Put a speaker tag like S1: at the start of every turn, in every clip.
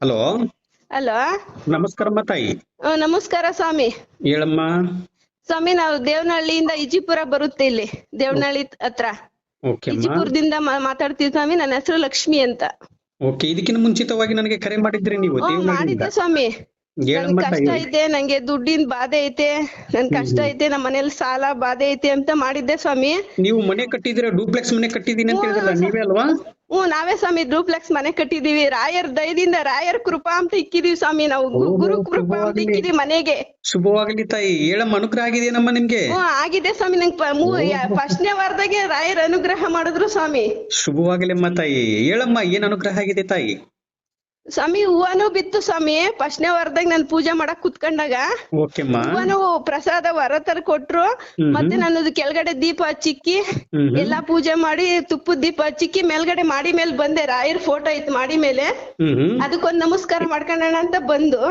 S1: Hello,
S2: hello.
S1: ನಮಸ್ಕಾರಮ್ಮ ತಾಯಿ.
S2: ನಮಸ್ಕಾರ ಸ್ವಾಮಿ.
S1: ಹೇಳಮ್ಮ.
S2: ಸ್ವಾಮಿ, ನಾವು ದೇವನಹಳ್ಳಿಯಿಂದ ಇಜಿಪುರ ಬರುತ್ತೆ, ಇಲ್ಲಿ ದೇವನಹಳ್ಳಿ ಹತ್ರ.
S1: ಓಕೆ ಅಮ್ಮ.
S2: ಇಜಿಪುರದಿಂದ ಮಾತಾಡ್ತೀವಿ ಸ್ವಾಮಿ. ನನ್ನ ಹೆಸರು ಲಕ್ಷ್ಮಿ ಅಂತ.
S1: ಓಕೆ, ಇದಕ್ಕಿಂತ ಮುಂಚಿತವಾಗಿ ನನಗೆ ಕರೆ ಮಾಡಿದ್ರಿ ನೀವು ದೇವನಹಳ್ಳಿಯಿಂದ?
S2: ಮಾಡಿದ್ದೆ ಸ್ವಾಮಿ.
S1: ಹೇಳಮ್ಮ
S2: ನನ್ಗೆ ಕಷ್ಟ
S1: ತಾಯಿ.
S2: ಐತೆ, ನಂಗೆ ದುಡ್ಡಿನ ಬಾಧೆ ಐತೆ, ನನ್ ಕಷ್ಟ ಐತೆ, ನಮ್ಮ ಮನೇಲಿ ಸಾಲ ಬಾಧೆ ಐತೆ ಅಂತ ಮಾಡಿದ್ದೆ ಸ್ವಾಮಿ.
S1: ನೀವು ಮನೆ ಕಟ್ಟಿದಿರ, ಡೂಪ್ಲೆಕ್ಸ್ ಮನೆ ಕಟ್ಟಿದೀನಿ ಅಂತ ಹೇಳಿದ್ರಲ್ಲ, ನೀವೇ ಅಲ್ವಾ?
S2: ನಾವೇ ಸ್ವಾಮಿ. ಡೂಪ್ಲೆಕ್ಸ್ ಮನೆ ಕಟ್ಟಿದೀವಿ. ರಾಯರ್ ದಯದಿಂದ, ರಾಯರ್ ಕೃಪಾ ಅಂತ ಇಕ್ಕಿದೀವಿ ಸ್ವಾಮಿ. ನಾವು ಗುರು ಕೃಪಾ ಅಂತ ಇಕ್ಕಿದೀವಿ ಮನೆಗೆ.
S1: ಶುಭವಾಗಲಿ ತಾಯಿ. ಹೇಳಮ್ಮ, ಅನುಗ್ರಹ ಆಗಿದೆಯೇನಮ್ಮ ನಿಮ್ಗೆ?
S2: ಆಗಿದೆ ಸ್ವಾಮಿ. ನಂಗೆ ಫಸ್ಟ್ನೇ ವಾರದಾಗೆ ರಾಯರ್ ಅನುಗ್ರಹ ಮಾಡಿದ್ರು ಸ್ವಾಮಿ.
S1: ಶುಭವಾಗಲಿ ಅಮ್ಮ ತಾಯಿ. ಹೇಳಮ್ಮ, ಏನ್ ಅನುಗ್ರಹ ಆಗಿದೆ ತಾಯಿ?
S2: ಸ್ವಾಮಿ, ಹೂವನು ಬಿತ್ತು ಸ್ವಾಮಿ. ಫಸ್ಟ್ನೇ ವಾರದಾಗ ನಾನು ಪೂಜೆ ಮಾಡಕ್ ಕುತ್ಕೊಂಡಾಗ
S1: ಓಕೆಮ್ಮ.
S2: ಹೂವನು ಪ್ರಸಾದ ವರ ತರ ಕೊಟ್ರು. ಮತ್ತೆ ನನ್ನದು ಕೆಳಗಡೆ ದೀಪ ಹಚ್ಚಿಕ್ಕಿ ಎಲ್ಲಾ ಪೂಜೆ ಮಾಡಿ ತುಪ್ಪದ ದೀಪ ಹಚ್ಚಿಕ್ಕಿ ಮೇಲ್ಗಡೆ ಮಾಡಿ ಮೇಲೆ ಬಂದೆ. ರಾಯರ್ ಫೋಟೋ ಇತ್ತು ಮಾಡಿ ಮೇಲೆ. ಅದಕ್ಕೊಂದ್ ನಮಸ್ಕಾರ ಮಾಡ್ಕೊಂಡೋಣ ಅಂತ ಬಂದು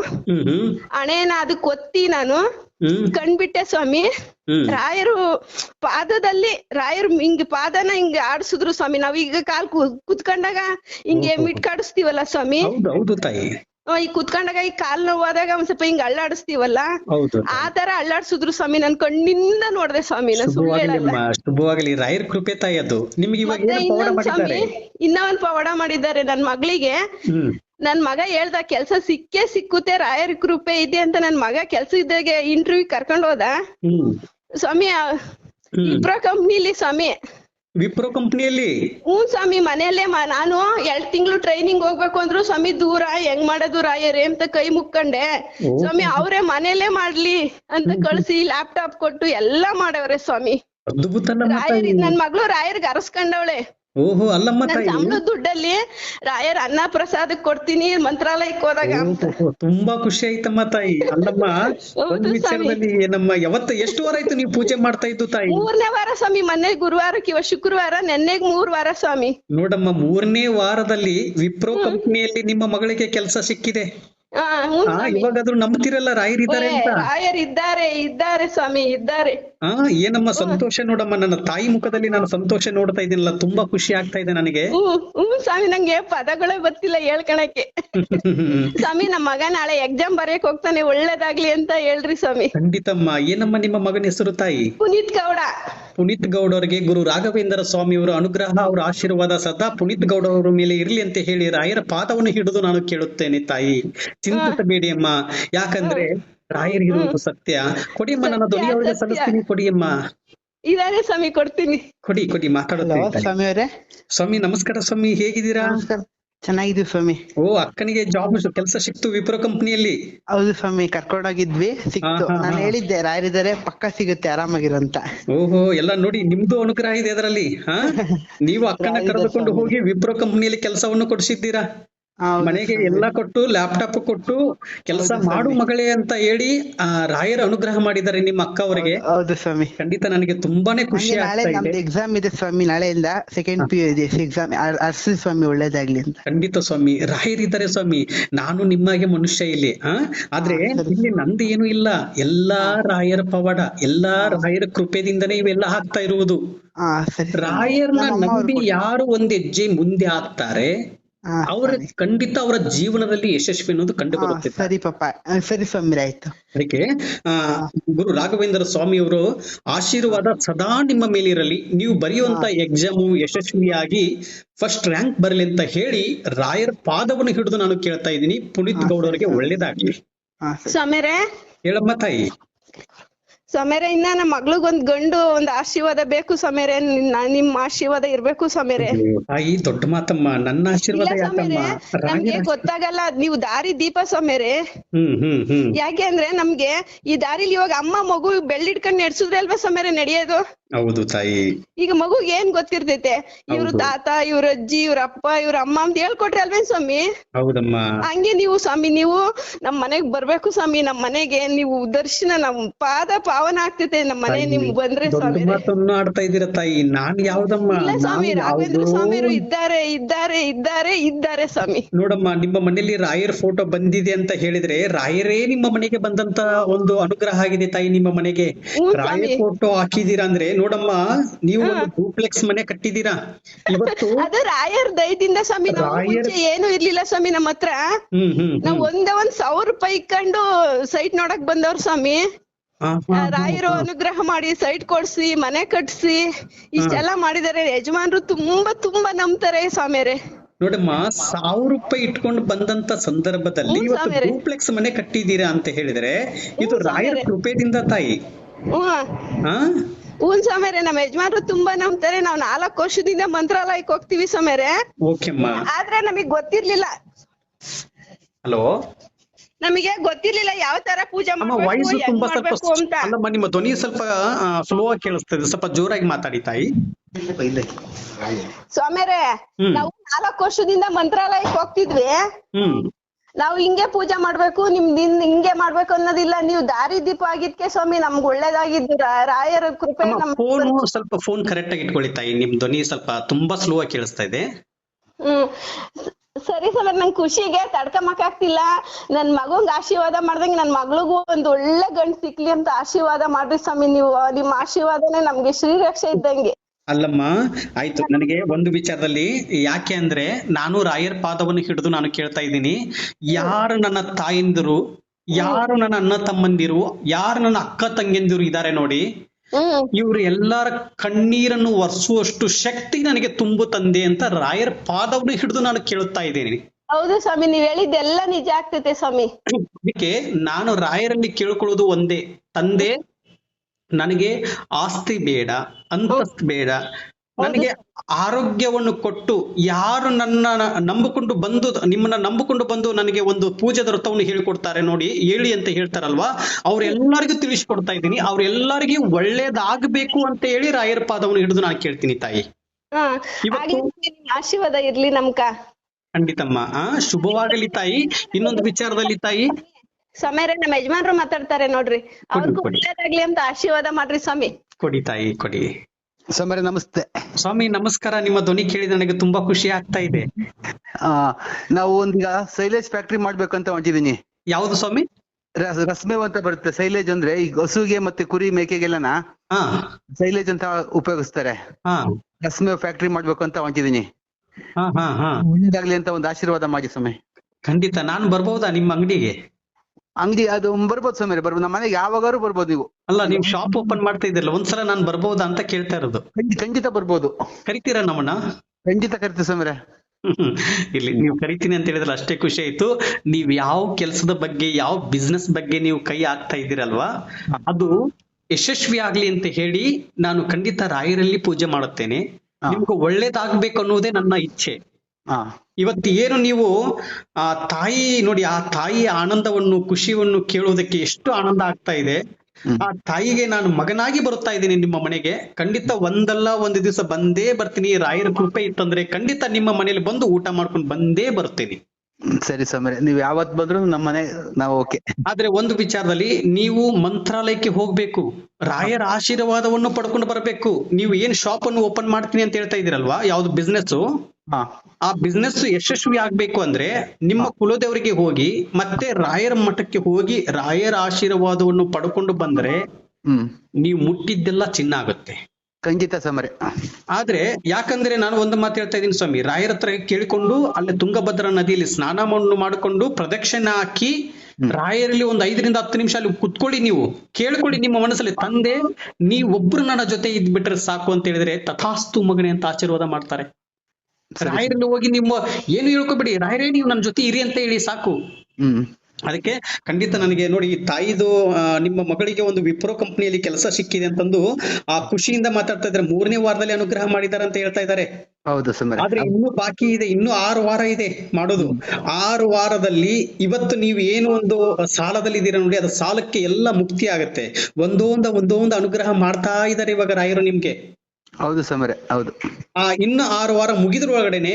S2: ಹಣೆನ ಅದಕ್ಕೆ ಒತ್ತಿ ನಾನು ಕಂಡ್ಬಿಟ್ಟೆ ಸ್ವಾಮಿ. ರಾಯರು ಪಾದದಲ್ಲಿ ರಾಯರು ಹಿಂಗ್ ಪಾದನ ಹಿಂಗ್ ಆಡ್ಸಿದ್ರು ಸ್ವಾಮಿ. ನಾವೀಗ ಕಾಲ್ ಕುತ್ಕೊಂಡಾಗ ಹಿಂಗೆ ಮಿಟ್ಕಾಡಿಸ್ತೀವಲ್ಲ ಸ್ವಾಮಿ,
S1: ಹೌದು ತಾಯಿ.
S2: ಈ ಕುತ್ಕೊಂಡಾಗ ಈ ಕಾಲ್ ನೋವಾದಾಗ ಒಂದ್ ಸ್ವಲ್ಪ ಹಿಂಗ್ ಅಳ್ಳಾಡಿಸ್ತೀವಲ್ಲ, ಆ ತರ ಅಳ್ಳಾಡ್ಸಿದ್ರು ಸ್ವಾಮಿ. ನನ್ ಕಣ್ಣಿಂದ ನೋಡ್ದೆ ಸ್ವಾಮಿ. ನಾನು ಸುಳ್ಳು ಹೇಳಲ್ಲ.
S1: ಶುಭವಾಗಲಿ. ರಾಯರ್ ಕೃಪೆ ತಾಯಿ ಅದು. ನಿಮ್ಗೆ ಇವಾಗ
S2: ಸ್ವಾಮಿ ಇನ್ನ ಒಂದ್ ಪವಾಡ ಮಾಡಿದ್ದಾರೆ ನನ್ ಮಗಳಿಗೆ. ನನ್ ಮಗ ಹೇಳ್ದ ಕೆಲ್ಸ ಸಿಕ್ಕುತ್ತೆ, ರಾಯರ್ ಕೃಪೆ ಇದೆ ಅಂತ. ನನ್ ಮಗ ಕೆಲ್ಸ ಇದ್ದಾಗೆ ಇಂಟರ್ವ್ಯೂ ಕರ್ಕೊಂಡ್ ಹೋದ ಸ್ವಾಮಿ. ವಿಪ್ರೋ ಕಂಪ್ನಿಲಿ ಸ್ವಾಮಿ.
S1: ವಿಪ್ರೋ ಕಂಪ್ನಿಯಲ್ಲಿ?
S2: ಸ್ವಾಮಿ. ಮನೆಯಲ್ಲೇ ನಾನು 2 ತಿಂಗಳು ಟ್ರೈನಿಂಗ್ ಹೋಗ್ಬೇಕು ಅಂದ್ರು ಸ್ವಾಮಿ. ದೂರ ಹೆಂಗ್ ಮಾಡೋದು ರಾಯರೇ ಅಂತ ಕೈ ಮುಕ್ಕೊಂಡೆ ಸ್ವಾಮಿ. ಅವ್ರೇ ಮನೆಯಲ್ಲೇ ಮಾಡ್ಲಿ ಅಂತ ಕಳ್ಸಿ ಲ್ಯಾಪ್ಟಾಪ್ ಕೊಟ್ಟು ಎಲ್ಲಾ ಮಾಡವ್ರೆ ಸ್ವಾಮಿ. ರಾಯರ್ ನನ್ ಮಗಳು ರಾಯರ್ಗೆ ಅರಸ್ಕೊಂಡವಳೆ.
S1: ಓಹೋ, ಅಲ್ಲಮ್ಮ ತಾಯಿ.
S2: ಸಂಬಳ ದುಡ್ಡಲ್ಲಿ ರಾಯರ್ ಅನ್ನ ಪ್ರಸಾದಕ್ ಕೊಡ್ತೀನಿ ಮಂತ್ರಾಲಯಕ್ಕೆ ಹೋದಾಗ ಅಂತ.
S1: ತುಂಬಾ ಖುಷಿ ಆಯ್ತಮ್ಮ ತಾಯಿ. ಅಲ್ಲಮ್ಮ, ಒಂದು ವಿಚಾರದಲ್ಲಿ ನಮ್ಮ ಎಷ್ಟು ವಾರ ಆಯ್ತು ನೀವು ಪೂಜೆ ಮಾಡ್ತಾ ಇದ್ದು ತಾಯಿ?
S2: 3ನೇ ವಾರ ಸ್ವಾಮಿ. ಮೊನ್ನೆ ಗುರುವಾರಕ್ಕೆ, ಇವ ಶುಕ್ರವಾರ, ನೆನ್ನೆಗ್ 3 ವಾರ ಸ್ವಾಮಿ.
S1: ನೋಡಮ್ಮ, 3ನೇ ವಾರದಲ್ಲಿ ವಿಪ್ರೋ ಕಂಪ್ನಿಯಲ್ಲಿ ನಿಮ್ಮ ಮಗಳಿಗೆ ಕೆಲಸ ಸಿಕ್ಕಿದೆ. ಇವಾಗಾದ್ರೂ ನಂಬ್ತಿರಲ್ಲ ರಾಯರಿದ್ದಾರೆ ಅಂತ?
S2: ರಾಯರ್ ಇದ್ದಾರೆ ಸ್ವಾಮಿ, ಇದ್ದಾರೆ.
S1: ಏನಮ್ಮ ಸಂತೋಷ ನೋಡಮ್ಮ. ನನ್ನ ತಾಯಿ ಮುಖದಲ್ಲಿ ನಾನು ಸಂತೋಷ ನೋಡ್ತಾ ಇದ್ದೀನಲ್ಲ, ತುಂಬಾ ಖುಷಿ ಆಗ್ತಾ ಇದೆ ನನಗೆ.
S2: ಸ್ವಾಮಿ, ನಂಗೆ ಪದಗಳೇ ಗೊತ್ತಿಲ್ಲ ಹೇಳ್ಕೊಳಕ್ಕೆ ಸ್ವಾಮಿ. ನಮ್ಮ ಮಗ ನಾಳೆ ಎಕ್ಸಾಮ್ ಬರೆಯಕ್ ಹೋಗ್ತಾನೆ, ಒಳ್ಳೇದಾಗ್ಲಿ ಅಂತ ಹೇಳ್ರಿ ಸ್ವಾಮಿ.
S1: ಖಂಡಿತಮ್ಮ. ಏನಮ್ಮ ನಿಮ್ಮ ಮಗನ ಹೆಸರು ತಾಯಿ?
S2: ಪುನೀತ್ ಗೌಡ.
S1: ಪುನೀತ್ ಗೌಡ ಅವರಿಗೆ ಗುರು ರಾಘವೇಂದ್ರ ಸ್ವಾಮಿ ಅವರ ಅನುಗ್ರಹ, ಅವರ ಆಶೀರ್ವಾದ ಸದಾ ಪುನೀತ್ ಗೌಡ ಅವರ ಮೇಲೆ ಇರ್ಲಿ ಅಂತ ಹೇಳಿ ರಾಯರ ಪಾದವನ್ನು ಹಿಡಿದು ನಾನು ಕೇಳುತ್ತೇನೆ ತಾಯಿ. ಚಿಂತಿಸಬೇಡಿ ಅಮ್ಮ, ಯಾಕಂದ್ರೆ ರಾಯರಿಗಿರುವುದು ಸತ್ಯ. ಕೊಡಿಯಮ್ಮ, ನನ್ನ ಧ್ವನಿ ಅವರಿಗೆ ಸಲ್ಲಿಸ್ತೀನಿ. ಕೊಡಿಯಮ್ಮ.
S2: ಇದಾರೆ ಸ್ವಾಮಿ, ಕೊಡ್ತೀನಿ.
S1: ಕೊಡಿ ಮಾತಾಡುತ್ತೆ.
S3: ಸ್ವಾಮಿ ಅವರೇ.
S1: ಸ್ವಾಮಿ ನಮಸ್ಕಾರ ಸ್ವಾಮಿ, ಹೇಗಿದ್ದೀರಾ?
S3: ಚೆನ್ನಾಗಿದ್ದೀವಿ ಸ್ವಾಮಿ.
S1: ಅಕ್ಕನಿಗೆ ಜಾಬ್ ಕೆಲಸ ಸಿಕ್ತು ವಿಪ್ರೋ ಕಂಪ್ನಿಯಲ್ಲಿ?
S3: ಹೌದು ಸ್ವಾಮಿ, ಕರ್ಕೊಂಡೋಗಿದ್ವಿ, ಸಿಕ್ತು. ನಾನು ಹೇಳಿದ್ದೆ ರಾಯರಿದ್ದಾರೆ, ಪಕ್ಕ ಸಿಗುತ್ತೆ, ಆರಾಮಾಗಿರಂತ.
S1: ಓಹೋ, ಎಲ್ಲ ನೋಡಿ, ನಿಮ್ದು ಅನುಗ್ರಹ ಇದೆ ಅದರಲ್ಲಿ. ನೀವು ಅಕ್ಕನ ಕರೆದುಕೊಂಡು ಹೋಗಿ ವಿಪ್ರೋ ಕಂಪ್ನಿಯಲ್ಲಿ ಕೆಲಸವನ್ನು ಕೊಡಿಸಿದ್ದೀರಾ. ಮನೆಗೆ ಎಲ್ಲ ಕೊಟ್ಟು, ಲ್ಯಾಪ್ಟಾಪ್ ಕೊಟ್ಟು, ಕೆಲಸ ಮಾಡು ಮಗಳೇ ಅಂತ ಹೇಳಿ ರಾಯರ ಅನುಗ್ರಹ ಮಾಡಿದ್ದಾರೆ ನಿಮ್ಮ ಅಕ್ಕ ಅವರಿಗೆ.
S3: ಹೌದು ಸ್ವಾಮಿ.
S1: ಖಂಡಿತ ನನಗೆ ತುಂಬಾನೇ ಖುಷಿ ಆಗ್ತಾ ಇದೆ.
S3: ಎಕ್ಸಾಮ್ ಇದೆ ಸ್ವಾಮಿ, ನಾಳೆಯಿಂದ ಸೆಕೆಂಡ್ PU ಇದೆ ಎಕ್ಸಾಮ್. ಅರ್ಸಿ ಸ್ವಾಮಿ, ಒಳ್ಳೇದಾಗ್ಲಿ ಅಂತ.
S1: ಖಂಡಿತ ಸ್ವಾಮಿ, ರಾಯರಿದ್ದಾರೆ ಸ್ವಾಮಿ. ನಾನು ನಿಮ್ಮಾಗೆ ಮನುಷ್ಯ ಇಲ್ಲಿ. ಆದ್ರೆ ಇಲ್ಲಿ ನಂದು ಏನು ಇಲ್ಲ, ಎಲ್ಲಾ ರಾಯರ ಪವಾಡ, ಎಲ್ಲಾ ರಾಯರ ಕೃಪೆದಿಂದನೇ ಇವೆಲ್ಲ ಆಗ್ತಾ ಇರುವುದು. ರಾಯರ್ನ ನಂಬಿ ಯಾರು ಒಂದ್ ಹೆಜ್ಜೆ ಮುಂದೆ ಹಾಕ್ತಾರೆ, ಅವ್ರ ಖಂಡಿತ ಅವರ ಜೀವನದಲ್ಲಿ ಯಶಸ್ವಿ ಅನ್ನೋದು ಕಂಡು ಬರುತ್ತೆ.
S3: ಸರಿ ಪಾಪ, ಸರಿ ಸ್ವಾಮಿ, ಆಯ್ತು.
S1: ಅದಕ್ಕೆ ಗುರು ರಾಘವೇಂದ್ರ ಸ್ವಾಮಿ ಅವರು ಆಶೀರ್ವಾದ ಸದಾ ನಿಮ್ಮ ಮೇಲಿರಲಿ. ನೀವು ಬರೆಯುವಂತ ಎಕ್ಸಾಮು ಯಶಸ್ವಿಯಾಗಿ ಫಸ್ಟ್ ರ್ಯಾಂಕ್ ಬರಲಿ ಅಂತ ಹೇಳಿ ರಾಯರ ಪಾದವನ್ನು ಹಿಡಿದು ನಾನು ಕೇಳ್ತಾ ಇದ್ದೀನಿ. ಪುನೀತ್ ಗೌಡ ಅವರಿಗೆ ಒಳ್ಳೇದಾಗ್ಲಿ.
S2: ಸ್ವಾಮಿರೇ.
S1: ಹೇಳಮ್ಮ ತಾಯಿ.
S2: ಸ್ವಾಮಿರೇ, ಇನ್ನ ನಮ್ಮ ಮಗಳಿಗೊಂದ್ ಗಂಡು ಒಂದ್ ಆಶೀರ್ವಾದ ಬೇಕು ಸ್ವಾಮಿರೇ. ನಿಮ್ಮ ಆಶೀರ್ವಾದ ಇರ್ಬೇಕು ಸ್ವಾಮಿರೇ.
S1: ತಾಯಿ, ದೊಡ್ಡ ಮಾತಮ್ಮ, ನನ್ನ ಆಶೀರ್ವಾದ ಯಾಕಮ್ಮ?
S2: ನಮ್ಗೆ ಗೊತ್ತಾಗಲ್ಲ, ನೀವು ದಾರಿ ದೀಪ ಸ್ವಾಮಿರೇ. ಯಾಕೆ ಅಂದ್ರೆ ನಮ್ಗೆ ಈ ದಾರಿಲಿ ಇವಾಗ ಅಮ್ಮ ಮಗು ಬೆಳ್ಳಿಡ್ಕೊಂಡ್ ನಡೆಸಿದ್ರೆ ಅಲ್ವಾ ಸ್ವಾಮಿರೇ ನಡೆಯೋದು.
S1: ಹೌದು ತಾಯಿ.
S2: ಈಗ ಮಗುಗ್ ಏನ್ ಗೊತ್ತಿರ್ತೈತೆ? ಇವ್ರ ತಾತ, ಇವ್ರ ಅಜ್ಜಿ, ಇವ್ರ ಅಪ್ಪ, ಇವ್ರ ಅಮ್ಮ ಅಂತ ಹೇಳ್ಕೊಟ್ರೆ ಅಲ್ವೇನ್ ಸ್ವಾಮಿ?
S1: ಹೌದಮ್ಮ.
S2: ಹಂಗೆ ನೀವು ಸ್ವಾಮಿ, ನೀವು ನಮ್ ಮನೆಗ್ ಬರ್ಬೇಕು ಸ್ವಾಮಿ. ನಮ್ ಮನೆಗೆ ನೀವು ದರ್ಶನ, ನಮ್ ಪಾದ ಪಾವನ ಆಗ್ತೈತೆ ನಮ್ಮ ಮನೆ ನಿಮ್ ಬಂದ್ರೆ
S1: ದೊಡ್ಡ
S2: ಸ್ವಾಮಿ.
S1: ಮಾತನ್ನು ಆಡ್ತಾ ಇದ್ದೀರಾ ತಾಯಿ. ನಾನ್ ಯಾವ್ದಮ್ಮ,
S2: ಇಲ್ಲ ಸ್ವಾಮಿ,
S1: ನಾವು
S2: ರಾಘವೇಂದ್ರ
S1: ಯಾವ್ದೋ
S2: ಸ್ವಾಮಿಯರು ಇದ್ದಾರೆ ಇದ್ದಾರೆ ಇದ್ದಾರೆ ಇದ್ದಾರೆ ಸ್ವಾಮಿ.
S1: ನೋಡಮ್ಮ, ನಿಮ್ಮ ಮನೆಯಲ್ಲಿ ರಾಯರ್ ಫೋಟೋ ಬಂದಿದೆ ಅಂತ ಹೇಳಿದ್ರೆ ರಾಯರೇ ನಿಮ್ಮ ಮನೆಗೆ ಬಂದಂತ ಒಂದು ಅನುಗ್ರಹ ಆಗಿದೆ ತಾಯಿ ನಿಮ್ಮ ಮನೆಗೆ.
S2: ಹ್ಮ್
S1: ರಾಯರ್
S2: ಸ್ವಾಮಿ.
S1: ಫೋಟೋ ಹಾಕಿದೀರಾ ಅಂದ್ರೆ ನೋಡಮ್ಮ, ನೀವು ಒಂದು ಡೂಪ್ಲೆಕ್ಸ್ ಮನೆ ಕಟ್ಟಿದೀರಾ ಇವತ್ತು.
S2: ಅದು ರಾಯರ್ ದಯದಿಂದ ಸ್ವಾಮಿ. ನಾವು
S1: ರಾಯರ್-
S2: ಮುಂಚೆ ಏನು ಇರ್ಲಿಲ್ಲ ಸ್ವಾಮಿ ನಮ್ಮ ಹತ್ರ. ನಾವ್ ಒಂದೇ 1,000 ರೂಪಾಯಿ ಇಕ್ಕೊಂಡು ಸೈಟ್ ನೋಡಕ್ ಬಂದವ್ರು ಸ್ವಾಮಿ. ರಾಯರು ಅನುಗ್ರಹ ಮಾಡಿ ಸೈಟ್ ಕೊಡ್ಸಿ ಮನೆ ಕಟ್ಸಿ ಇಷ್ಟೆಲ್ಲಾ ಮಾಡಿದಾರೆ. ಯಜಮಾನ್ರು ತುಂಬಾ ತುಂಬಾ ನಂಬ್ತಾರೆ ಸ್ವಾಮಿಯರೇ.
S1: ನೋಡಮ್ಮ, 1,000 ರೂಪಾಯಿ ಇಟ್ಕೊಂಡು ಬಂದಂತ ಸಂದರ್ಭದಲ್ಲಿ
S2: ಹ್ಮ್
S1: ಇವತ್ತು
S2: ಸ್ವಾಮಿಯರೇ.
S1: ಡೂಪ್ಲೆಕ್ಸ್ ಮನೆ ಕಟ್ಟಿದೀರಾ ಅಂತ ಹೇಳಿದ್ರೆ ಇದು
S2: ಹ್ಮ್
S1: ರಾಯರ
S2: ಸ್ವಾಮಿಯರೇ.
S1: ಕೃಪೆಯಿಂದ ತಾಯಿ. ಹಾ
S2: ಹ್ಮ್ ಸ್ವಾಮಿಯರೇ, ನಮ್ಮ ಯಜಮಾನ್ರು ತುಂಬಾ ನಂಬ್ತಾರೆ. ನಾವ್ 4 ವರ್ಷದಿಂದ ಮಂತ್ರಾಲಯಕ್ಕೆ ಹೋಗ್ತೀವಿ ಸ್ವಾಮಿಯರೇ.
S1: ಓಕೆಮ್ಮ.
S2: ಆದ್ರೆ ನಮಗ್ ಗೊತ್ತಿರ್ಲಿಲ್ಲ,
S1: ಹಲೋ
S2: ನಮಗೆ ಗೊತ್ತಿರ್ಲಿಲ್ಲ ಯಾವ ತರ ಪೂಜೆ
S1: ಅಮ್ಮ,
S2: ಮಾಡ್ಬೇಕು,
S1: ವಾಯ್ಸ್
S2: ಹೆಂಗ್
S1: ತುಂಬಾ ಸ್ವಲ್ಪ
S2: ಮಾಡ್ಬೇಕು ಅಂತ.
S1: ಅಲ್ಲಮ್ಮ, ನಿಮ್ಮ ಧ್ವನಿ ಸ್ವಲ್ಪ ಸ್ಲೋ ಆಗಿ ಕೇಳಿಸ್ತದೆ. ಸ್ವಲ್ಪ ಜೋರಾಗಿ ಮಾತಾಡಿ ತಾಯಿ.
S2: ಸ್ವಾಮಿಯರೇ, ನಾವು 4 ವರ್ಷದಿಂದ ಮಂತ್ರಾಲಯಕ್ಕೆ ಹೋಗ್ತಿದ್ವಿ. ನಾವು ಹಿಂಗೆ ಪೂಜೆ ಮಾಡ್ಬೇಕು, ಹಿಂಗೆ ಮಾಡ್ಬೇಕು ಅನ್ನೋದಿಲ್ಲ. ನೀವು ದಾರಿ ದೀಪ ಆಗಿದ್ಕೆ ಸ್ವಾಮಿ ನಮ್ಗ್ ಒಳ್ಳೇದಾಗಿದ್ದು. ರಾಯರ ಕೃಪೆ ನಮ್
S1: ಫೋನ್ ಸ್ವಲ್ಪ ಫೋನ್ ಕರೆಕ್ಟ್ ಆಗಿ ಇಟ್ಕೊಳ್ಳಿ ತಾಯಿ. ನಿಮ್ ಧ್ವನಿ ಸ್ವಲ್ಪ ತುಂಬಾ ಸ್ಲೋ ಆಗಿ ಕೇಳಿಸ್ತಾ ಇದೆ.
S2: ಸರಿ ಸ್ವಾಮಿ, ನಂಗ್ ಖುಷಿಗೆ ತಡ್ಕಮಕ್ ಆಗ್ತಿಲ್ಲ. ನನ್ ಮಗಂಗ್ ಆಶೀರ್ವಾದ ಮಾಡ್ದಂಗೆ ನನ್ ಮಗಳಿಗೂ ಒಂದ್ ಒಳ್ಳೆ ಗಂಡ್ ಸಿಕ್ಲಿ ಅಂತ ಆಶೀರ್ವಾದ ಮಾಡ್ರಿ ಸ್ವಾಮಿ. ನೀವು ನಿಮ್ಮ ಆಶೀರ್ವಾದನೇ ನಮ್ಗೆ ಶ್ರೀರಕ್ಷೆ ಇದ್ದಂಗೆ.
S1: ಅಲ್ಲಮ್ಮ, ಆಯ್ತು. ನನಗೆ ಒಂದು ವಿಚಾರದಲ್ಲಿ ಯಾಕೆ ಅಂದ್ರೆ, ನಾನು ರಾಯರ್ ಪಾದವನ್ನು ಹಿಡಿದು ನಾನು ಕೇಳ್ತಾ ಇದ್ದೀನಿ, ಯಾರು ನನ್ನ ತಾಯಂದಿರು, ಯಾರು ನನ್ನ ಅಣ್ಣ ತಮ್ಮಂದಿರು, ಯಾರು ನನ್ನ ಅಕ್ಕ ತಂಗಿಯಂದಿರು ಇದ್ದಾರೆ ನೋಡಿ, ಇವ್ರು ಎಲ್ಲರ ಕಣ್ಣೀರನ್ನು ಒರೆಸುವಷ್ಟು ಶಕ್ತಿ ನನಗೆ ತುಂಬು ತಂದೆ ಅಂತ ರಾಯರ್ ಪಾದವನ್ನು ಹಿಡಿದು ನಾನು ಕೇಳುತ್ತಾ ಇದ್ದೀನಿ.
S2: ಹೌದು ಸ್ವಾಮಿ, ನೀವ್ ಹೇಳಿದ್ದೆಲ್ಲ ನಿಜ ಆಗ್ತೈತೆ ಸ್ವಾಮಿ.
S1: ಅದಕ್ಕೆ ನಾನು ರಾಯರಲ್ಲಿ ಕೇಳ್ಕೊಳ್ಳೋದು ಒಂದೇ, ತಂದೆ ನನಗೆ ಆಸ್ತಿ ಬೇಡ, ಅಂತಸ್ತು ಬೇಡ, ನನಗೆ ಆರೋಗ್ಯವನ್ನು ಕೊಟ್ಟು, ಯಾರು ನನ್ನ ನಂಬಿಕೊಂಡು ಬಂದು, ನಿಮ್ಮನ್ನ ನಂಬಿಕೊಂಡು ಬಂದು ನನಗೆ ಒಂದು ಪೂಜೆದ ವ್ರತವನ್ನು ಹೇಳಿಕೊಡ್ತಾರೆ ನೋಡಿ, ಹೇಳಿ ಅಂತ ಹೇಳ್ತಾರಲ್ವಾ, ಅವ್ರೆಲ್ಲರಿಗೂ ತಿಳಿಸ್ಕೊಡ್ತಾ ಇದ್ದೀನಿ. ಅವ್ರೆಲ್ಲರಿಗೂ ಒಳ್ಳೇದಾಗಬೇಕು ಅಂತ ಹೇಳಿ ರಾಯರ ಪಾದವನ್ನು ಹಿಡಿದು ನಾನು ಕೇಳ್ತೀನಿ ತಾಯಿ.
S2: ಆಶೀರ್ವಾದ ಇರ್ಲಿ ನಮ್ಕ.
S1: ಖಂಡಿತಮ್ಮ. ಶುಭವಾಗಲಿ ತಾಯಿ. ಇನ್ನೊಂದು ವಿಚಾರದಲ್ಲಿ ತಾಯಿ,
S2: ಸ್ವಾಮಿಯರೇ, ನಮ್ಮ ಯಜಮಾನ್ರು ಮಾತಾಡ್ತಾರೆ ನೋಡ್ರಿ, ಅವ್ರಿಗೂ ಒಳ್ಳೇದಾಗ್ಲಿ ಅಂತ ಆಶೀರ್ವಾದ ಮಾಡ್ರಿ ಸ್ವಾಮಿ.
S1: ಕೊಡಿ ತಾಯಿ, ಕೊಡಿ.
S3: ಸ್ವಾಮಿಯರೇ ನಮಸ್ತೆ.
S1: ಸ್ವಾಮಿ ನಮಸ್ಕಾರ. ನಿಮ್ಮ ಧ್ವನಿ ಕೇಳಿದ ನನಗೆ ತುಂಬಾ ಖುಷಿ ಆಗ್ತಾ ಇದೆ.
S3: ನಾವು ಒಂದೀಗ ಸೈಲೇಜ್ ಫ್ಯಾಕ್ಟ್ರಿ ಮಾಡ್ಬೇಕಂತ ಹೊಂಟಿದೀನಿ.
S1: ಯಾವ್ದು ಸ್ವಾಮಿ?
S3: ರಸ್ಮೇವ್ ಅಂತ ಬರುತ್ತೆ. ಸೈಲೇಜ್ ಅಂದ್ರೆ ಈಗ ಹಸುಗೆ ಮತ್ತೆ ಕುರಿ ಮೇಕೆಗೆಲ್ಲನ ಸೈಲೇಜ್ ಅಂತ ಉಪಯೋಗಿಸ್ತಾರೆ. ರಸ್ಮೇವ್ ಫ್ಯಾಕ್ಟ್ರಿ ಮಾಡ್ಬೇಕು ಅಂತ ಹೊಂಟಿದೀನಿ. ಒಳ್ಳೇದಾಗ್ಲಿ ಅಂತ ಒಂದು ಆಶೀರ್ವಾದ ಮಾಡಿ ಸ್ವಾಮಿ.
S1: ಖಂಡಿತ. ನಾನು ಬರ್ಬಹುದಾ ನಿಮ್ಮ ಅಂಗಡಿಗೆ?
S3: ಅಂಗಡಿ ಅದು ಬರ್ಬೋದು ಸ್ವಾಮಿ, ಬರ್ಬೋದು. ನಮ್ಮ ಮನೆಗೆ ಯಾವಾಗಾರು ಬರ್ಬೋದು ನೀವು.
S1: ಅಲ್ಲ, ನೀವು ಶಾಪ್ ಓಪನ್ ಮಾಡ್ತಾ ಇದ್ರಲ್ಲ, ಒಂದ್ಸಲ ನಾನು ಬರ್ಬಹುದಾ ಅಂತ ಕೇಳ್ತಾ ಇರೋದು.
S3: ಖಂಡಿತ ಬರ್ಬೋದು.
S1: ಕರಿತೀರಾ ನಮ್ಮನ್ನ?
S3: ಖಂಡಿತ ಕರಿತೀವಿ ಸ್ವಾಮಿರೇ.
S1: ಇಲ್ಲಿ ನೀವು ಕರಿತೀನಿ ಅಂತ ಹೇಳಿದ್ರೆ ಅಷ್ಟೇ ಖುಷಿ ಆಯ್ತು. ನೀವ್ ಯಾವ ಕೆಲಸದ ಬಗ್ಗೆ, ಯಾವ ಬಿಸ್ನೆಸ್ ಬಗ್ಗೆ ನೀವು ಕೈ ಹಾಕ್ತಾ ಇದ್ದೀರಲ್ವಾ, ಅದು ಯಶಸ್ವಿ ಆಗ್ಲಿ ಅಂತ ಹೇಳಿ ನಾನು ಖಂಡಿತ ರಾಯರಲ್ಲಿ ಪೂಜೆ ಮಾಡುತ್ತೇನೆ. ನಿಮ್ಗೆ ಒಳ್ಳೇದಾಗ್ಬೇಕು ಅನ್ನೋದೇ ನನ್ನ ಇಚ್ಛೆ. ಇವತ್ತು ಏನು ನೀವು ಆ ತಾಯಿ ನೋಡಿ, ಆ ತಾಯಿಯ ಆನಂದವನ್ನು, ಖುಷಿಯನ್ನು ಕೇಳುವುದಕ್ಕೆ ಎಷ್ಟು ಆನಂದ ಆಗ್ತಾ ಇದೆ. ಆ ತಾಯಿಗೆ ನಾನು ಮಗನಾಗಿ ಬರುತ್ತಾ ಇದ್ದೀನಿ ನಿಮ್ಮ ಮನೆಗೆ. ಖಂಡಿತ ಒಂದಲ್ಲ ಒಂದು ದಿವಸ ಬಂದೇ ಬರ್ತೀನಿ. ರಾಯರ ಕೃಪೆ ಇತ್ತಂದ್ರೆ ಖಂಡಿತ ನಿಮ್ಮ ಮನೆಯಲ್ಲಿ ಬಂದು ಊಟ ಮಾಡ್ಕೊಂಡು ಬಂದೇ ಬರ್ತೀನಿ.
S3: ಸರಿ ಸ್ವಾಮಿ, ನೀವ್ ಯಾವತ್ ಬಂದ್ರು ನಮ್ಮ ಮನೆ ನಾವು ಓಕೆ.
S1: ಆದ್ರೆ ಒಂದು ವಿಚಾರದಲ್ಲಿ, ನೀವು ಮಂತ್ರಾಲಯಕ್ಕೆ ಹೋಗ್ಬೇಕು, ರಾಯರ ಆಶೀರ್ವಾದವನ್ನು ಪಡ್ಕೊಂಡು ಬರ್ಬೇಕು. ನೀವು ಏನ್ ಶಾಪ್ ಅನ್ನು ಓಪನ್ ಮಾಡ್ತೀನಿ ಅಂತ ಹೇಳ್ತಾ ಇದೀರಲ್ವಾ, ಯಾವ್ದು ಬಿಸ್ನೆಸ್, ಆ ಬಿಸ್ನೆಸ್ ಯಶಸ್ವಿ ಆಗ್ಬೇಕು ಅಂದ್ರೆ ನಿಮ್ಮ ಕುಲದೇವರಿಗೆ ಹೋಗಿ ಮತ್ತೆ ರಾಯರ ಮಠಕ್ಕೆ ಹೋಗಿ ರಾಯರ ಆಶೀರ್ವಾದವನ್ನು ಪಡ್ಕೊಂಡು ಬಂದ್ರೆ ನೀವು ಮುಟ್ಟಿದ್ದೆಲ್ಲ ಚಿನ್ನ ಆಗುತ್ತೆ.
S3: ಖಂಡಿತ ಸ್ವಾಮಿ.
S1: ಆದ್ರೆ ಯಾಕಂದ್ರೆ ನಾನು ಒಂದು ಮಾತು ಹೇಳ್ತಾ ಇದ್ದೀನಿ ಸ್ವಾಮಿ, ರಾಯರ ಹತ್ರ ಕೇಳಿಕೊಂಡು ಅಲ್ಲಿ ತುಂಗಭದ್ರಾ ನದಿಯಲ್ಲಿ ಸ್ನಾನವನ್ನು ಮಾಡಿಕೊಂಡು ಪ್ರದಕ್ಷಿಣೆ ಹಾಕಿ ರಾಯರಲ್ಲಿ ಒಂದು 5 ರಿಂದ 10 ನಿಮಿಷ ಅಲ್ಲಿ ಕುತ್ಕೊಳ್ಳಿ. ನೀವು ಕೇಳ್ಕೊಳ್ಳಿ ನಿಮ್ಮ ಮನಸ್ಸಲ್ಲಿ, ತಂದೆ ನೀವೊಬ್ರು ನನ್ನ ಜೊತೆ ಇದ್ಬಿಟ್ರೆ ಸಾಕು ಅಂತ ಹೇಳಿದ್ರೆ ತಥಾಸ್ತು ಮಗನೇ ಅಂತ ಆಶೀರ್ವಾದ ಮಾಡ್ತಾರೆ. ರಾಯರಲ್ಲಿ ಹೋಗಿ ನಿಮ್ಮ ಏನು ಹೇಳ್ಕೊಬೇಡಿ, ರಾಯರೇ ನೀವು ನನ್ನ ಜೊತೆ ಇರಿ ಅಂತ ಹೇಳಿ ಸಾಕು. ಅದಕ್ಕೆ ಖಂಡಿತ ನನಗೆ ನೋಡಿ, ಈ ತಾಯಿದು ನಿಮ್ಮ ಮಗಳಿಗೆ ಒಂದು ವಿಪ್ರೋ ಕಂಪನಿಯಲ್ಲಿ ಕೆಲಸ ಸಿಕ್ಕಿದೆ ಅಂತಂದು ಆ ಖುಷಿಯಿಂದ ಮಾತಾಡ್ತಾ ಇದ್ದಾರೆ. 3ನೇ ವಾರದಲ್ಲಿ ಅನುಗ್ರಹ ಮಾಡಿದ್ದಾರೆ ಅಂತ ಹೇಳ್ತಾ ಇದ್ದಾರೆ.
S3: ಹೌದು ಸ್ವಾಮಿ. ಆದ್ರೆ
S1: ಇನ್ನೂ ಬಾಕಿ ಇದೆ, ಇನ್ನೂ 6 ವಾರ ಇದೆ ಮಾಡೋದು. 6 ವಾರದಲ್ಲಿ ಇವತ್ತು ನೀವು ಏನು ಒಂದು ಸಾಲದಲ್ಲಿ ಇದ್ದೀರಾ ನೋಡಿ, ಅದು ಸಾಲಕ್ಕೆ ಎಲ್ಲ ಮುಕ್ತಿ ಆಗತ್ತೆ. ಒಂದೊಂದು ಅನುಗ್ರಹ ಮಾಡ್ತಾ ಇದ್ದಾರೆ ಇವಾಗ ರಾಯರು ನಿಮ್ಗೆ.
S3: ಹೌದು ಸ್ವಾಮಿ, ಹೌದು.
S1: ಇನ್ನು 6 ವಾರ ಮುಗಿದ್ರೊಳಗಡೆನೆ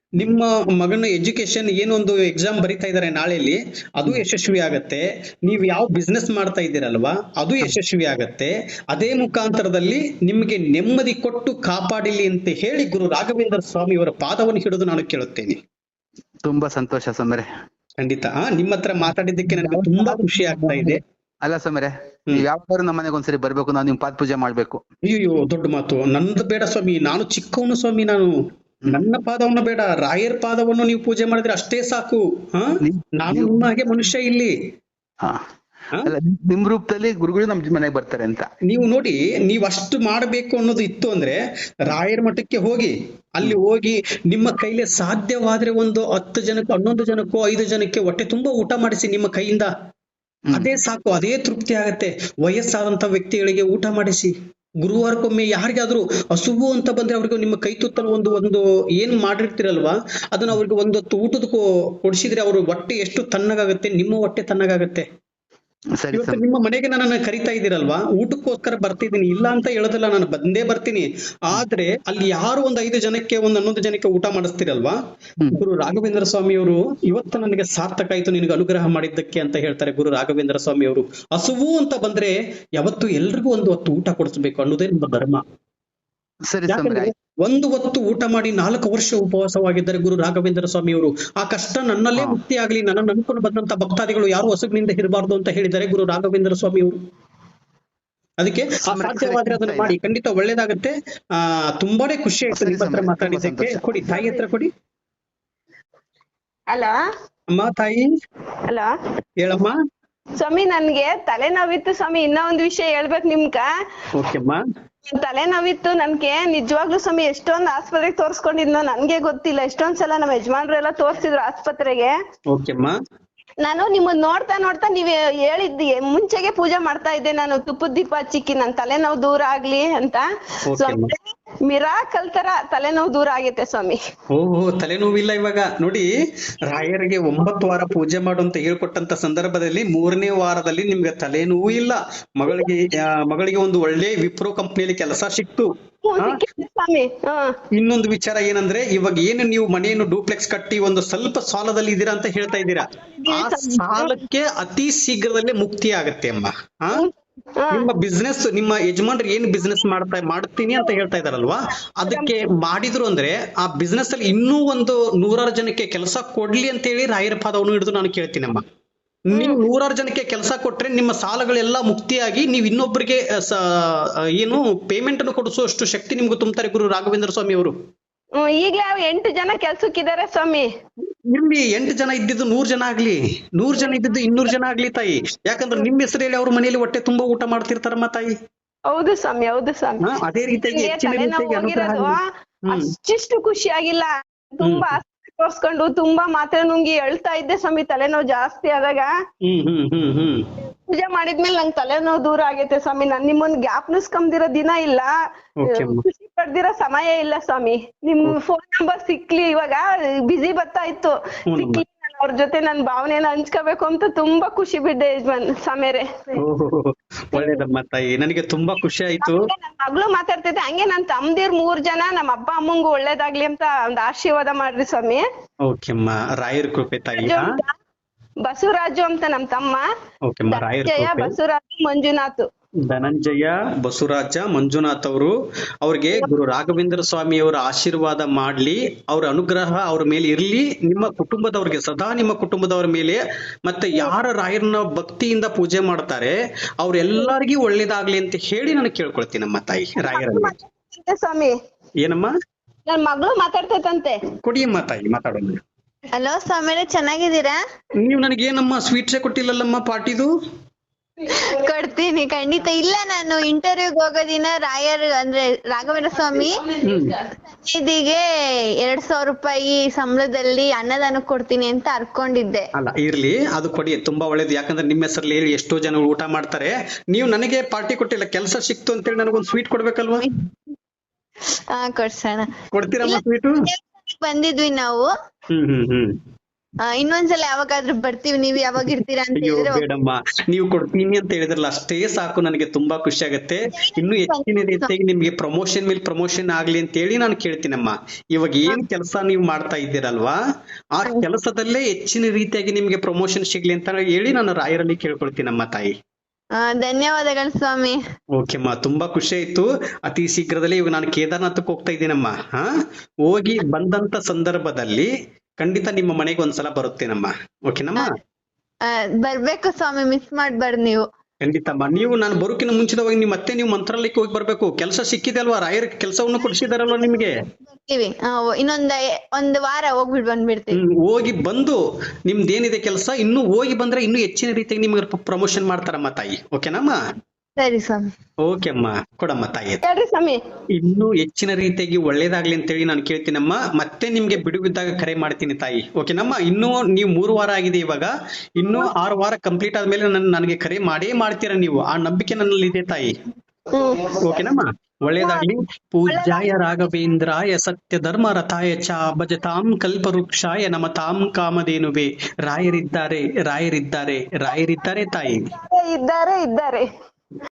S1: ನಿಮ್ಮ ಮಗನ ಎಜುಕೇಶನ್ ಏನೊಂದು ಎಕ್ಸಾಮ್ ಬರಿತಾ ಇದ್ದಾರೆ ನಾಳೆಯಲ್ಲಿ, ಅದು ಯಶಸ್ವಿ ಆಗತ್ತೆ. ನೀವು ಯಾವ ಬಿಸ್ನೆಸ್ ಮಾಡ್ತಾ ಇದ್ದೀರಲ್ವಾ, ಅದು ಯಶಸ್ವಿ ಆಗತ್ತೆ. ಅದೇ ಮುಖಾಂತರದಲ್ಲಿ ನಿಮಗೆ ನೆಮ್ಮದಿ ಕೊಟ್ಟು ಕಾಪಾಡಿಲಿ ಅಂತ ಹೇಳಿ ಗುರು ರಾಘವೇಂದ್ರ ಸ್ವಾಮಿ ಅವರ ಪಾದವನ್ನು ಹಿಡಿದು ನಾನು ಕೇಳುತ್ತೇನೆ.
S3: ತುಂಬಾ ಸಂತೋಷ ಸ್ವಾಮಿಯರೇ.
S1: ಖಂಡಿತ ನಿಮ್ಮ ಹತ್ರ ಮಾತಾಡಿದ್ದಕ್ಕೆ ನನಗೆ ತುಂಬಾ ಖುಷಿ ಆಗ್ತಾ ಇದೆ.
S3: ಅಲ್ಲ ಸ್ವಾಮಿಯರೇ, ನೀವ್ ಯಾವಾಗಾದ್ರೂ ನಮ್ಮ ಮನೆಗೆ ಒಂದ್ಸರಿ ಬರ್ಬೇಕು, ನಾವು ನಿಮ್ ಪಾದ ಪೂಜೆ ಮಾಡ್ಬೇಕು.
S1: ಅಯ್ಯೋ ದೊಡ್ಡ ಮಾತು. ನಂದು ಬೇಡ ಸ್ವಾಮಿ, ನಾನು ಚಿಕ್ಕವನು ಸ್ವಾಮಿ. ನಾನು ನನ್ನ ಪಾದವನ್ನು ಬೇಡ, ರಾಯರ್ ಪಾದವನ್ನು ನೀವು ಪೂಜೆ ಮಾಡಿದ್ರೆ ಅಷ್ಟೇ ಸಾಕು. ನಾನು ನಿಮ್ಮ ಹಾಗೆ ಮನುಷ್ಯ ಇಲ್ಲಿ.
S3: ಅಲ್ಲ, ನಿಮ್ ರೂಪದಲ್ಲಿ ಗುರುಗಳು ನಮ್ ಮನೆಗೆ ಬರ್ತಾರೆ ಅಂತ
S1: ನೀವು ನೋಡಿ, ನೀವ್ ಅಷ್ಟು ಮಾಡಬೇಕು ಅನ್ನೋದು ಇತ್ತು ಅಂದ್ರೆ ರಾಯರ ಮಠಕ್ಕೆ ಹೋಗಿ, ಅಲ್ಲಿ ಹೋಗಿ ನಿಮ್ಮ ಕೈಲಿ ಸಾಧ್ಯವಾದ್ರೆ ಒಂದು 10 ಜನಕ್ಕೋ 11 ಜನಕ್ಕೋ 5 ಜನಕ್ಕೆ ಹೊಟ್ಟೆ ತುಂಬಾ ಊಟ ಮಾಡಿಸಿ ನಿಮ್ಮ ಕೈಯಿಂದ. ಅದೇ ಸಾಕು, ಅದೇ ತೃಪ್ತಿ ಆಗತ್ತೆ. ವಯಸ್ಸಾದಂತ ವ್ಯಕ್ತಿಗಳಿಗೆ ಊಟ ಮಾಡಿಸಿ. ಗುರುವಾರಕ್ಕೊಮ್ಮೆ ಯಾರಿಗಾದ್ರೂ ಹಸುವು ಅಂತ ಬಂದ್ರೆ ಅವ್ರಿಗೆ ನಿಮ್ಮ ಕೈ ತುತ್ತಲು ಒಂದು ಏನ್ ಮಾಡಿರ್ತೀರಲ್ವಾ, ಅದನ್ನ ಅವ್ರಿಗೆ ಒಂದೊತ್ತು ಊಟದ ಕೊಡಿಸಿದ್ರೆ ಅವ್ರ ಹೊಟ್ಟೆ ಎಷ್ಟು ತಣ್ಣಗಾಗತ್ತೆ, ನಿಮ್ಮ ಹೊಟ್ಟೆ ತಣ್ಣಗಾಗತ್ತೆ. ಇವತ್ತು ನಿಮ್ಮ ಮನೆಗೆ ನನ್ನನ್ನ ಕರಿತಾ ಇದ್ದೀರಲ್ವಾ, ಊಟಕ್ಕೋಸ್ಕರ ಬರ್ತಿದ್ದೀನಿ, ಇಲ್ಲ ಅಂತ ಹೇಳೋದಿಲ್ಲ, ನಾನು ಬಂದೇ ಬರ್ತೀನಿ. ಆದ್ರೆ ಅಲ್ಲಿ ಯಾರು ಒಂದು 5 ಜನಕ್ಕೆ ಒಂದು 11 ಜನಕ್ಕೆ ಊಟ ಮಾಡಿಸ್ತಿರಲ್ವಾ, ಗುರು ರಾಘವೇಂದ್ರ ಸ್ವಾಮಿ ಅವರು ಇವತ್ತು ನನಗೆ ಸಾರ್ಥಕ ಆಯ್ತು ನಿನಗೆ ಅನುಗ್ರಹ ಮಾಡಿದ್ದಕ್ಕೆ ಅಂತ ಹೇಳ್ತಾರೆ ಗುರು ರಾಘವೇಂದ್ರ ಸ್ವಾಮಿ ಅವರು. ಹಸುವು ಅಂತ ಬಂದ್ರೆ ಯಾವತ್ತು ಎಲ್ರಿಗೂ ಒಂದು ಹೊತ್ತು ಊಟ ಕೊಡಿಸ್ಬೇಕು ಅನ್ನೋದೇ ನಮ್ಮ ಧರ್ಮ. ಯಾಕಂದ್ರೆ ಒಂದು ಹೊತ್ತು ಊಟ ಮಾಡಿ 4 ವರ್ಷ ಉಪವಾಸವಾಗಿದ್ದಾರೆ ಗುರು ರಾಘವೇಂದ್ರ ಸ್ವಾಮಿ ಅವರು. ಆ ಕಷ್ಟ ನನ್ನಲ್ಲೇ ಮುಕ್ತಿ ಆಗ್ಲಿ, ನನ್ನನ್ನು ನಂಬಿಕೊಂಡು ಬಂದಂತ ಭಕ್ತಾದಿಗಳು ಯಾರು ಹಸುವಿನಿಂದ ಇರಬಾರ್ದು ಅಂತ ಹೇಳಿದ್ದಾರೆ ಗುರು ರಾಘವೇಂದ್ರ ಸ್ವಾಮಿ ಅವರು. ಅದಕ್ಕೆ ಸಾಧ್ಯವಾದ್ರೆ ಅದನ್ನ ಮಾಡಿ, ಖಂಡಿತ ಒಳ್ಳೇದಾಗತ್ತೆ. ತುಂಬಾನೇ ಖುಷಿ ಆಯ್ತು ನಿಮ್ಮ ಹತ್ರ ಮಾತಾಡಿದ್ದಕ್ಕೆ. ಕೊಡಿ ತಾಯಿ ಹತ್ರ ಕೊಡಿ.
S2: ಹಲೋ
S1: ಅಮ್ಮ, ತಾಯಿ.
S2: ಹಲೋ
S1: ಹೇಳಮ್ಮ.
S2: ಸ್ವಾಮಿ, ನನ್ಗೆ ತಲೆನೋವಿತ್ತು ಸ್ವಾಮಿ. ಇನ್ನೂ ಒಂದ್ ವಿಷಯ ಹೇಳ್ಬೇಕು ನಿಮ್ಗ.
S1: ಓಕೆಮ್ಮ.
S2: ತಲೆನೋವಿತ್ತು ನನ್ಗೆ ನಿಜವಾಗ್ಲೂ ಸ್ವಾಮಿ. ಎಷ್ಟೊಂದ್ ಆಸ್ಪತ್ರೆಗೆ ತೋರ್ಸ್ಕೊಂಡಿದ್ನೋ ನನ್ಗೆ ಗೊತ್ತಿಲ್ಲ. ಎಷ್ಟೊಂದ್ ಸಲ ನಮ್ಮ ಯಜಮಾನ್ರು ಎಲ್ಲ ತೋರ್ಸಿದ್ರು ಆಸ್ಪತ್ರೆಗೆ.
S1: ಓಕೆಮ್ಮ. ನಾನು
S2: ನಿಮ್ಮನ್ನ ನೋಡ್ತಾ ನೋಡ್ತಾ ನೀವ್ ಹೇಳಿದ್ದಿ ಮುಂಚೆಗೆ ಪೂಜೆ ಮಾಡ್ತಾ ಇದ್ದೆ ನಾನು. ತುಪ್ಪದ ದೀಪ ಹಚ್ಚಿಕ್ಕಿ ನನ್ ತಲೆನೋವು ದೂರ ಆಗ್ಲಿ ಅಂತ. ಸ್ವಾಮಿ, ಮಿರಾಕಲ್ ತರ ತಲೆನೋವು ದೂರ ಆಗೈತೆ ಸ್ವಾಮಿ.
S1: ಓಹೋ, ತಲೆನೋವಿಲ್ಲ ಇವಾಗ. ನೋಡಿ, ರಾಯರಿಗೆ 9 ವಾರ ಪೂಜೆ ಮಾಡು ಅಂತ ಹೇಳ್ಕೊಟ್ಟಂತ ಸಂದರ್ಭದಲ್ಲಿ 3ನೇ ವಾರದಲ್ಲಿ ನಿಮ್ಗೆ ತಲೆನೋವು ಇಲ್ಲ. ಮಗಳಿಗೆ ಒಂದು ಒಳ್ಳೆ ವಿಪ್ರೋ ಕಂಪ್ನಿಯಲ್ಲಿ ಕೆಲಸ ಸಿಕ್ತು. ಇನ್ನೊಂದು ವಿಚಾರ ಏನಂದ್ರೆ, ಇವಾಗ ಏನು ನೀವು ಮನೆಯನ್ನು ಡೂಪ್ಲೆಕ್ಸ್ ಕಟ್ಟಿ ಒಂದು ಸ್ವಲ್ಪ ಸಾಲದಲ್ಲಿ ಇದ್ದೀರಾ ಅಂತ ಹೇಳ್ತಾ ಇದ್ದೀರಾ, ಆ ಸಾಲಕ್ಕೆ ಅತಿ ಶೀಘ್ರದಲ್ಲೇ ಮುಕ್ತಿ ಆಗತ್ತೆ ಅಮ್ಮ. ನಿಮ್ಮ ಬಿಸ್ನೆಸ್, ನಿಮ್ಮ ಯಜಮಾನ್ರು ಏನ್ ಬಿಸ್ನೆಸ್ ಮಾಡ್ತೀನಿ ಅಂತ ಹೇಳ್ತಾ ಇದಾರಲ್ವಾ, ಅದಕ್ಕೆ ಮಾಡಿದ್ರು ಅಂದ್ರೆ ಆ ಬಿಸ್ನೆಸ್ ಅಲ್ಲಿ ಇನ್ನೂ ಒಂದು 100 ಜನಕ್ಕೆ ಕೆಲಸ ಕೊಡ್ಲಿ ಅಂತ ಹೇಳಿ ರಾಯರ ಪಾದವನ್ನು ಹಿಡಿದು ನಾನು ಕೇಳ್ತೀನಮ್ಮ. ನೀವು 100 ಜನಕ್ಕೆ ಕೆಲಸ ಕೊಟ್ರೆ ನಿಮ್ಮ ಸಾಲಗಳೆಲ್ಲ ಮುಕ್ತಿಯಾಗಿ ನೀವು ಇನ್ನೊಬ್ಬರಿಗೆ ಏನು ಪೇಮೆಂಟ್ ಅನ್ನು ಕೊಡಿಸುವಷ್ಟು ಶಕ್ತಿ ನಿಮ್ಗೆ ತುಂಬ್ತಾರೆ ಗುರು ರಾಘವೇಂದ್ರ ಸ್ವಾಮಿ ಅವರು.
S2: ಈಗ್ಲೇ 8 ಜನ ಕೆಲ್ಸಕ್ಕಿದ್ದಾರೆ ಸ್ವಾಮಿ.
S1: ಇಲ್ಲಿ 8 ಜನ ಇದ್ದಿದ್ದು 100 ಜನ ಆಗ್ಲಿ, 100 ಜನ ಇದ್ದಿದ್ದು 200 ಜನ ಆಗ್ಲಿ ತಾಯಿ. ಯಾಕಂದ್ರೆ ನಿಮ್ಮ ಹೆಸರಲ್ಲಿ ಅವ್ರ ಮನೆಯಲ್ಲಿ ಹೊಟ್ಟೆ ತುಂಬಾ ಊಟ ಮಾಡ್ತಿರ್ತಾರಮ್ಮ ತಾಯಿ.
S2: ಹೌದು ಸ್ವಾಮಿ, ಹೌದು ಸ್ವಾಮಿ.
S1: ಅದೇ ರೀತಿಯಾಗಿ ಹೆಚ್ಚಿನ ರೀತಿಯಾಗಿ ಅನುಗ್ರಹ.
S2: ಅಷ್ಟಿಷ್ಟು ಖುಷಿಯಾಗಿಲ್ಲ. ತುಂಬಾ ತೋರ್ಸ್ಕೊಂಡು ತುಂಬಾ ಮಾತ್ರೆ ನುಂಗಿ ಅಳ್ತಾ ಇದ್ದೆ ಸ್ವಾಮಿ. ತಲೆನೋವು ಜಾಸ್ತಿ ಆದಾಗ ಪೂಜೆ ಮಾಡಿದ್ಮೇಲೆ ನಂಗೆ ತಲೆನೋವು ದೂರ ಆಗೈತೆ ಸ್ವಾಮಿ. ನಾನ್ ನಿಮ್ಮನ್ನ ಜ್ಞಾಪನಿಸ್ಕೊಂದಿರೋ ದಿನ ಇಲ್ಲ, ಖುಷಿ ಪಡ್ದಿರೋ ಸಮಯ ಇಲ್ಲ ಸ್ವಾಮಿ. ನಿಮ್ ಫೋನ್ ನಂಬರ್ ಸಿಕ್ಲಿ, ಇವಾಗ ಬಿಸಿ ಬರ್ತಾ ಇತ್ತು, ಸಿಕ್ಲಿ ಅವ್ರ ಜೊತೆ ನನ್ ಭಾವನೆನ ಹಂಚ್ಕೋಬೇಕು ಅಂತ ತುಂಬಾ ಖುಷಿ ಬಿದ್ದೆ ಯಜಮಾನ್ ಸ್ವಾಮಿಯರೇ.
S1: ಒಳ್ಳೇದಮ್ಮ ತಾಯಿ, ನನಗೆ ತುಂಬಾ ಖುಷಿ ಆಯ್ತು.
S2: ನನ್ ಮಗಳು ಮಾತಾಡ್ತೈತೆ ಹಂಗೆ. ನನ್ ತಮ್ದಿರ್ 3 ಜನ, ನಮ್ಮ ಅಪ್ಪ ಅಮ್ಮಂಗು ಒಳ್ಳೇದಾಗ್ಲಿ ಅಂತ ಒಂದ್ ಆಶೀರ್ವಾದ ಮಾಡ್ರಿ ಸ್ವಾಮಿ.
S1: ಓಕೆಮ್ಮ, ರಾಯರ ಕೃಪೆ ತಾಯಿ.
S2: ಬಸವರಾಜು ಅಂತ ನಮ್ ತಮ್ಮ. ಬಸವರಾಜು ಮಂಜುನಾಥ್.
S1: ಧನಂಜಯ ಬಸವರಾಜ ಮಂಜುನಾಥ್ ಅವರು. ಅವ್ರಿಗೆ ಗುರು ರಾಘವೇಂದ್ರ ಸ್ವಾಮಿ ಅವರ ಆಶೀರ್ವಾದ ಮಾಡ್ಲಿ, ಅವ್ರ ಅನುಗ್ರಹ ಅವ್ರ ಮೇಲೆ ಇರ್ಲಿ, ನಿಮ್ಮ ಕುಟುಂಬದವ್ರಿಗೆ ಸದಾ, ನಿಮ್ಮ ಕುಟುಂಬದವ್ರ ಮೇಲೆ, ಮತ್ತೆ ಯಾರ ರಾಯರನ್ನ ಭಕ್ತಿಯಿಂದ ಪೂಜೆ ಮಾಡ್ತಾರೆ ಅವ್ರೆಲ್ಲರಿಗೂ ಒಳ್ಳೇದಾಗ್ಲಿ ಅಂತ ಹೇಳಿ ನಾನು ಕೇಳ್ಕೊಳ್ತೀನಮ್ಮ ತಾಯಿ ರಾಯರಲ್ಲಿ.
S2: ಸ್ವಾಮಿ,
S1: ಏನಮ್ಮ?
S2: ನನ್ ಮಗಳು ಮಾತಾಡ್ತೈತಂತೆ.
S1: ಕೊಡಿಯಮ್ಮ ತಾಯಿ, ಮಾತಾಡೋಣ.
S2: ಹಲೋ ಸ್ವಾಮಿಯರೇ, ಚೆನ್ನಾಗಿದ್ದೀರಾ?
S1: ನೀವು ನನಗೆ ಏನಮ್ಮ ಸ್ವೀಟ್ಸೇ ಕೊಟ್ಟಿಲ್ಲಲ್ಲಮ್ಮ ಪಾರ್ಟಿದು?
S2: ಕೊಡ್ತೀನಿ ಖಂಡಿತ. ಇಲ್ಲ, ನಾನು ಇಂಟರ್ವ್ಯೂಗ್ ಹೋಗೋ ದಿನ ರಾಯರ್ ಅಂದ್ರೆ ರಾಘವೇಂದ್ರ ಸ್ವಾಮಿ ಇದಿಗೆ 2000 ರೂಪಾಯಿ ಸಂಬಳದಲ್ಲಿ ಅನ್ನದಾನ ಕೊಡ್ತೀನಿ ಅಂತ ಅರ್ಕೊಂಡಿದ್ದೆ.
S1: ಅಲ್ಲ ಇರ್ಲಿ, ಅದು ಕೊಡಿ, ತುಂಬಾ ಒಳ್ಳೇದು. ಯಾಕಂದ್ರೆ ನಿಮ್ಮ ಹೆಸರಲ್ಲಿ ಹೇಳಿ ಎಷ್ಟೋ ಜನ ಊಟ ಮಾಡ್ತಾರೆ. ನೀವು ನನಗೆ ಪಾರ್ಟಿ ಕೊಟ್ಟಿಲ್ಲ, ಕೆಲಸ ಸಿಕ್ತು ಅಂತೇಳಿ ನನಗೊಂದು ಸ್ವೀಟ್ ಕೊಡ್ಬೇಕಲ್ವಾ?
S2: ಕೊಡ್ಸೋಣ.
S1: ಕೊಡ್ತೀರಮ್ಮ ಸ್ವೀಟು?
S2: ಬಂದಿದ್ವಿ ನಾವು.
S4: ಇನ್ನೊಂದ್ಸಲ ಯಾವಾಗಾದ್ರೂ ಬರ್ತೀವಿ, ನೀವ್ ಯಾವಾಗ ಇರ್ತೀರಾ ಅಂತ
S1: ಅಯ್ಯೋ
S4: ಹೇಳಿದ್ರೆ
S1: ಬೇಡಮ್ಮ, ನೀವು ಕೊಡ್ತೀನಿ ಅಂತ ಹೇಳಿದ್ರಲ್ಲ ಅಷ್ಟೇ ಸಾಕು, ನನಗೆ ತುಂಬಾ ಖುಷಿ ಆಗತ್ತೆ. ಇನ್ನು ಹೆಚ್ಚಿನ ರೀತಿಯಾಗಿ ನಿಮ್ಗೆ ಪ್ರಮೋಷನ್ ಮೇಲೆ ಪ್ರಮೋಷನ್ ಆಗ್ಲಿ ಅಂತ ಹೇಳಿ ನಾನು ಕೇಳ್ತೀನಮ್ಮ. ಇವಾಗ ಏನ್ ಕೆಲಸ ನೀವು ಮಾಡ್ತಾ ಇದ್ದೀರಲ್ವಾ, ಆ ಕೆಲಸದಲ್ಲೇ ಹೆಚ್ಚಿನ ರೀತಿಯಾಗಿ ನಿಮ್ಗೆ ಪ್ರಮೋಷನ್ ಸಿಗ್ಲಿ ಅಂತ ಹೇಳಿ ನಾನು ರಾಯರಲ್ಲಿ ಕೇಳ್ಕೊಳ್ತೀನಮ್ಮ ತಾಯಿ.
S4: ಧನ್ಯವಾದಗಳು ಸ್ವಾಮಿ.
S1: ಓಕೆಮ್ಮ, ತುಂಬಾ ಖುಷಿ ಆಯ್ತು. ಅತಿ ಶೀಘ್ರದಲ್ಲೇ ಇವಾಗ ನಾನು ಕೇದಾರ್ನಾಥಕ್ಕೆ ಹೋಗ್ತಾ ಇದ್ದೀನಮ್ಮ. ಹೋಗಿ ಬಂದಂತ ಸಂದರ್ಭದಲ್ಲಿ ಖಂಡಿತ ನಿಮ್ಮ ಮನೆಗೆ ಒಂದ್ಸಲ ಬರುತ್ತೇನಮ್ಮ. ಓಕೆನಮ್ಮ?
S4: ಬರ್ಬೇಕು ಸ್ವಾಮಿ, ಮಿಸ್ ಮಾಡ್ಬಾರ್ದು ನೀವು.
S1: ಖಂಡಿತಮ್ಮ. ನೀವು ನಾನು ಬರೋಕಿನ ಮುಂಚಿತವಾಗಿ ನೀವು ಮಂತ್ರಾಲಯಕ್ಕೆ ಹೋಗಿ ಬರ್ಬೇಕು. ಕೆಲಸ ಸಿಕ್ಕಿದೆ ಅಲ್ವಾ, ರಾಯರ ಕೆಲಸವನ್ನು ಕೊಡಿಸಿದಾರಲ್ವಾ ನಿಮ್ಗೆ.
S4: ಬರ್ತೀವಿ. ಒಂದು ವಾರ ಹೋಗ್ಬಿಟ್ಟು ಬಂದ್ಬಿಡ್ತೀವಿ.
S1: ಹೋಗಿ ಬಂದು ನಿಮ್ದೇನಿದೆ ಕೆಲಸ ಇನ್ನು ಹೋಗಿ ಬಂದ್ರೆ ಇನ್ನು ಹೆಚ್ಚಿನ ರೀತಿಯಾಗಿ ನಿಮ್ಗೆ ಪ್ರಮೋಷನ್ ಮಾಡ್ತಾರಮ್ಮ ತಾಯಿ. ಓಕೆನಮ್ಮ?
S4: ಸರಿ ಸ್ವಾಮಿ.
S1: ಓಕೆ ಅಮ್ಮ, ಕೊಡಮ್ಮ ತಾಯಿ.
S2: ಹೇಳ್ರಿ ಸ್ವಾಮಿ.
S1: ಇನ್ನು ಹೆಚ್ಚಿನ ರೀತಿಯಾಗಿ ಒಳ್ಳೇದಾಗ್ಲಿ ಅಂತ ಹೇಳಿ ನಾನು ಕೇಳ್ತೀನಮ್ಮ. ಮತ್ತೆ ನಿಮ್ಗೆ ಬಿಡುವಿದ್ದಾಗ ಕರೆ ಮಾಡ್ತೀನಿ ತಾಯಿ. ಓಕೆನಮ್ಮ? ಇನ್ನು ನೀವು 3 ವಾರ ಆಗಿದೆ, ಇವಾಗ ಇನ್ನು 6 ವಾರ ಕಂಪ್ಲೀಟ್ ಆದ್ಮೇಲೆ ನನಗೆ ಕರೆ ಮಾಡೇ ಮಾಡ್ತೀರಾ ನೀವು. ಆ ನಂಬಿಕೆ ನನ್ನಲ್ಲಿ ಇದೆ ತಾಯಿ. ಓಕೆನಮ್ಮ? ಒಳ್ಳೇದಾಗ್ಲಿ. ಪೂಜ್ಯಾಯ ರಾಘವೇಂದ್ರಾಯ ಸತ್ಯ ಧರ್ಮ ರಥಾಯ ಚ ಭಜತಾಂ ಕಲ್ಪವೃಕ್ಷಾಯ ನಮತಾಂ ಕಾಮಧೇನುವೆ. ರಾಯರಿದ್ದಾರೆ, ರಾಯರಿದ್ದಾರೆ, ರಾಯರಿದ್ದಾರೆ ತಾಯಿ.
S2: ಇದ್ದಾರೆ